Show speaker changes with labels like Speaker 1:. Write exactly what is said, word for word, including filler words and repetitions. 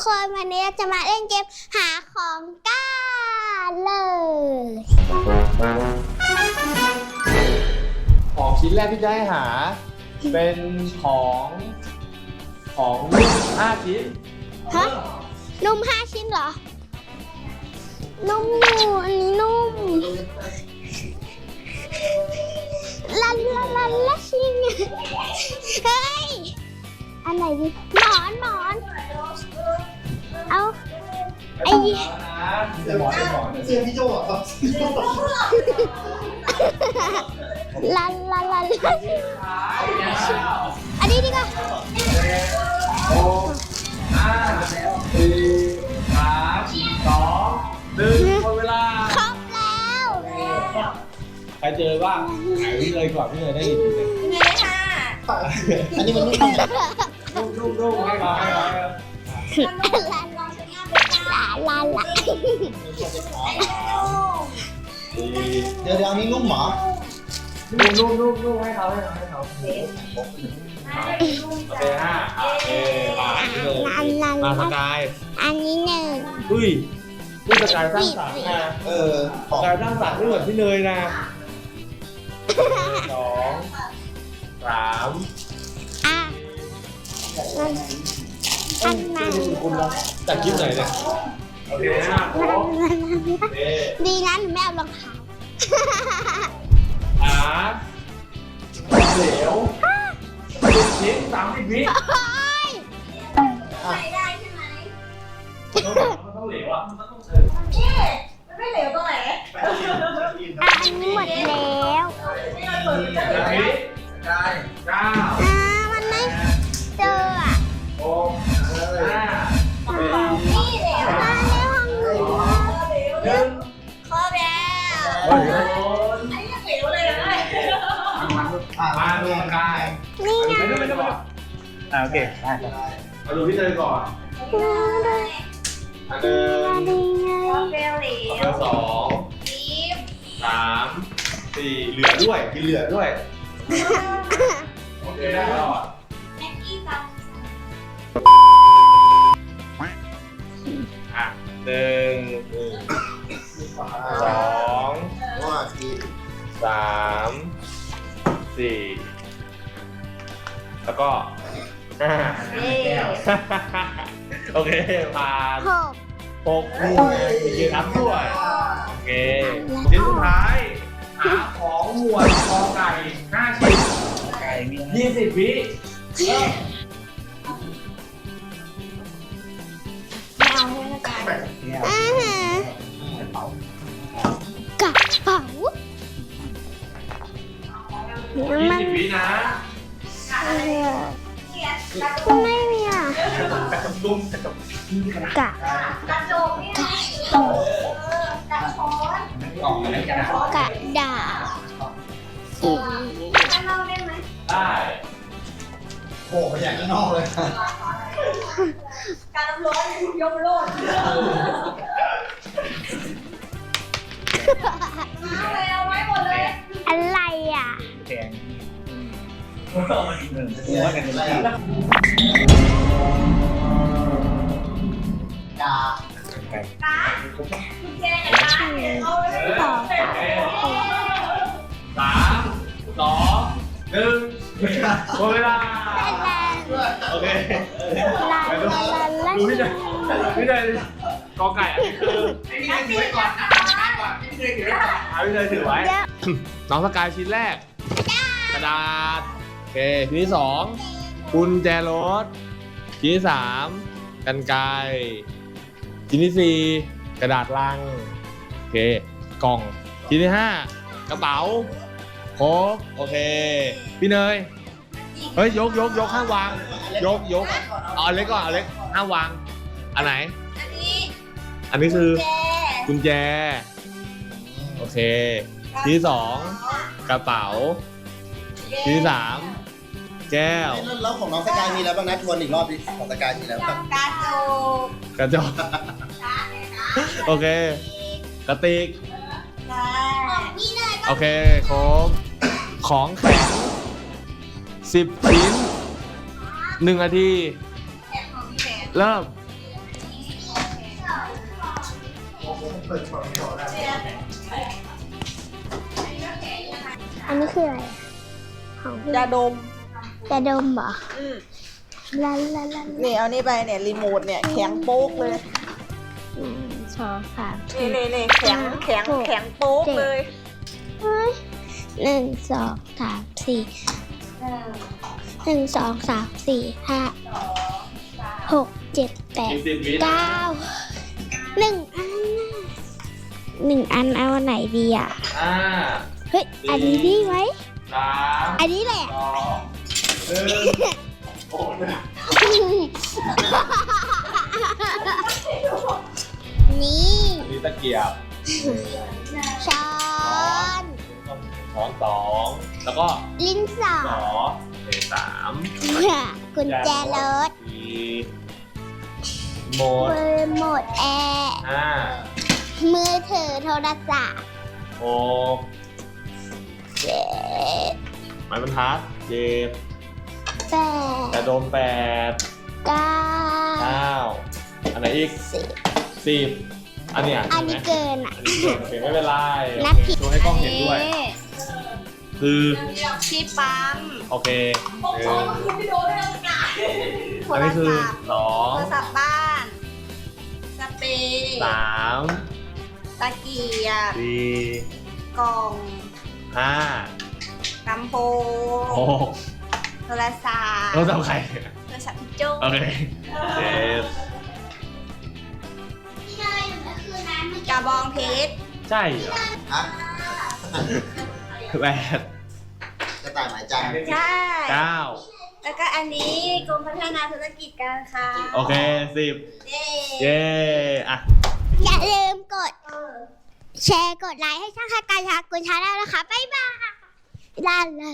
Speaker 1: คนวันนี้เราจะมาเล่นเกมหาของกันเลย
Speaker 2: ของชิ้นแรกที่จะให้หาเป็นของของนุ่มห้าชิ้น
Speaker 1: ฮะนุ่มห้าชิ้นเหรอนุ่มอยู่อันนี้นุ่มลันลันลันละชิงเฮ้ยอันไหนดีหมอนหมอนเอาไอ้
Speaker 3: เสียงพี่โจ้อะครับ
Speaker 1: ลันลันลันลันอันนี้ดีกว่า
Speaker 2: หกห้าสี่สามสองหนึ่งหมดเวลา
Speaker 1: ครบแล้ว
Speaker 2: ใครเจอบ้างไหนพี่เลยก่อนพี่เลยได้ยินเลย
Speaker 1: นี่ค่ะ
Speaker 3: อันนี้มันนุ่ม
Speaker 2: นุ่มนุ่มนุ่มให้เราให้เรา
Speaker 1: ลันลันลันลัน
Speaker 3: เดี๋ยวเดี๋ยวอันนี้นุ่มหรอ
Speaker 2: นุ่มนุ่มนุ่มนุ่มให้เขาให้เขาให้เขาโอเคห้าโอเคผ่านเลยมาสกาย
Speaker 1: อันนี้หนึ่ง
Speaker 2: อุ้ยนี่สกายสร้างสรรค์นะ
Speaker 3: เออ
Speaker 2: สกายสร้างสรรค์ไม่เหมือนพี่เนยนะสองสาม
Speaker 1: อ่ะอันนั้น
Speaker 2: จากคลิปไหนเนี่ยโอเคนะ
Speaker 1: ดีนะหนูไม่เอารองเท้า
Speaker 2: หาเหลวสิบชิ้นสามสิบวิ
Speaker 1: ใส่ได้ใช่ไหม
Speaker 2: มันต้องเหลวอ่ะมันต้องเออ
Speaker 1: มันไม่เหลวตรงไหนอันนี้หมดแล้ว
Speaker 2: ได้เก้า
Speaker 1: อ่ามันไม่เจออ่ะ
Speaker 2: หกห้า
Speaker 1: นี่เหลวมาแล้วห้องหนู
Speaker 2: หนึ่ง
Speaker 1: ครบแล้ว
Speaker 2: โอ้โห
Speaker 1: ไอ้ยังเหลวเลยนะ
Speaker 2: มาดูกาย
Speaker 1: นี่ไง
Speaker 2: ไม่ไม่ไม่อ่าโอเคได้มาดูพี่เนยก่อนอันหนึ่ง
Speaker 1: เบลเหลว
Speaker 2: สองสามสี่เหลือด้วยกินเหลือด้วยโอเคได้ตลอด
Speaker 1: แม็กกี้ตัง
Speaker 2: อ่ะหนึ่งสองสามสี่แล้วก็ห้าโอเคผ่าน
Speaker 1: หก
Speaker 2: หกนี่มีเยอะนับด้วยโอเคชิ้นสุดท้ายหาของหมวดกอไก่ห้าชิ้นยี่สิบวิ
Speaker 1: ไม่เอาให้ละกันอ่าฮะกระเป๋า
Speaker 2: ยี่สิบวินะ
Speaker 1: ไม่มีอ่ะ
Speaker 2: กระดุมกระดุม
Speaker 1: กะกระโจมนี่กระช้อนกระดาษอืมข้างนอกได้ไหม
Speaker 2: ได้
Speaker 3: โอ้ไปอย่างข้างนอกเลย
Speaker 1: การน้ำร้อนยกโลดเอาเลยเอาไว้หมดเลยอะไรอ่ะ
Speaker 2: แข็ง
Speaker 3: หัวกันเลยกา
Speaker 1: กาคุณเจกับกาเอาเลยต่อ
Speaker 2: สามสองหนึ่งหมดเวลาโอเคดูพี่เนยพี่เนยกอไก่อันนี้คือพี่เนยถือไว้ก่อนนะพี่เนยถือไว้ก่อนพี่เนยถือไว้น้องสกายชิ้นแรกกระดาษโอเคชิ้นที่สองกุญแจรถชิ้นที่สามกรรไกรชิ้นที่สี่กระดาษลังโอเคกล่องชิ้นที่ห้ากระเป๋าครบโอเคพี่เนยเฮ้ยยกยกยกห้ามวางยกยกเอาอันเล็กก่อนเอาเล็กห้ามวางอันไหน
Speaker 1: อันนี้
Speaker 2: อันนี้คือกุญแจโอเคชิ้นที่สองกระเป๋าชิ้นที่สามแก้ว
Speaker 3: แล้วของน้องสกายมีแล้วบ้างนะทวนอีกรอบดิของสกายมีแล้วบ้าง
Speaker 1: กระจก
Speaker 2: กระจกโอเคกระติกโอเคครบของแข็งสิบชิ้นหนึ่งนาทีเริ่ม
Speaker 1: อันนี้คืออะไรของพี่
Speaker 4: ยาดม
Speaker 1: จะดมเหรอ
Speaker 4: อืม
Speaker 1: ลาลาลา
Speaker 4: นี่เอานี่ไปเนี่ยรีโมทเนี่ยแข็งโป๊กเลย
Speaker 1: หนึ่งสองสาม
Speaker 4: นี่
Speaker 1: สี่
Speaker 4: นี่นี่แข็งแข็งแข็งโป๊กเลย
Speaker 1: เฮ้ยหนึ่งสองสามสี่หนึ่งสองสามสี่ห้าหกเจ็ดแปด
Speaker 2: อีกสิบวิ
Speaker 1: เก้าหนึ่งอันน่ะหนึ่งอันเอาอันไหนดีอ่ะ
Speaker 2: ห้า
Speaker 1: เฮ้ย อันนี้ดีไหม
Speaker 2: สาม
Speaker 1: อันนี้แหละ
Speaker 2: สองหนึ่งโอ้ย
Speaker 1: นี่
Speaker 2: อันนี้ตะเกียบ
Speaker 1: ช้อน
Speaker 2: ช้อนสองแล้วก็
Speaker 1: ลิ้นสอ
Speaker 2: ส
Speaker 1: ง
Speaker 2: องเอสาม
Speaker 1: กุญแจรถ
Speaker 2: สี่หมด
Speaker 1: มือหมดแอร์
Speaker 2: ห้า
Speaker 1: มือถือโทรศัพท์
Speaker 2: หก
Speaker 1: เจ็ด
Speaker 2: ไม้บรรทัดเจ็ด
Speaker 1: แป
Speaker 2: แต่
Speaker 1: ด
Speaker 2: โดมแปด
Speaker 1: เก้า
Speaker 2: เก้าอันไหนอีก
Speaker 1: สิบ
Speaker 2: สิบอันเนี้ย
Speaker 1: อัน
Speaker 2: เห็
Speaker 1: นี้
Speaker 2: นไหม
Speaker 1: เกินอ่ะ
Speaker 2: อันนี้เกินโอเคไม่เป็นไร
Speaker 1: นับผิด
Speaker 2: โชว์ให้กล้องเห็นด้วย คือ
Speaker 4: ที่ปั๊ม
Speaker 2: โอเคหนึ่ง
Speaker 4: โท
Speaker 2: อัน
Speaker 4: ร
Speaker 2: นี้คือ
Speaker 4: ศัพท์
Speaker 2: สอง
Speaker 4: โทรศัพท์บ้านสเปรย์
Speaker 2: สาม
Speaker 4: ตะเกียบ
Speaker 2: สี่
Speaker 4: กล่อง
Speaker 2: ห้า
Speaker 4: ลำโพ
Speaker 2: ห
Speaker 4: ง
Speaker 2: ก
Speaker 4: โทรศัพท์
Speaker 2: เราจะเอาใคร
Speaker 4: โทรศัพท์พี่โจ้
Speaker 2: โอเคเจ็ด
Speaker 4: กระบองเพชร
Speaker 2: ใช่เหรอ
Speaker 3: ฮะ
Speaker 2: แปด
Speaker 3: กระต่ายหมายจันทร์
Speaker 4: ใช่
Speaker 2: เก้า
Speaker 4: แล้วก็อันนี้กรมพัฒนาธุรกิจการค้า
Speaker 2: โอเคสิบ
Speaker 4: เย้
Speaker 2: เย้อ่ะ
Speaker 1: อย่าลืมกด แชร์กดไลค์ให้ช่างคาการชากุญชาได้นะคะ บ๊ายบายลาลา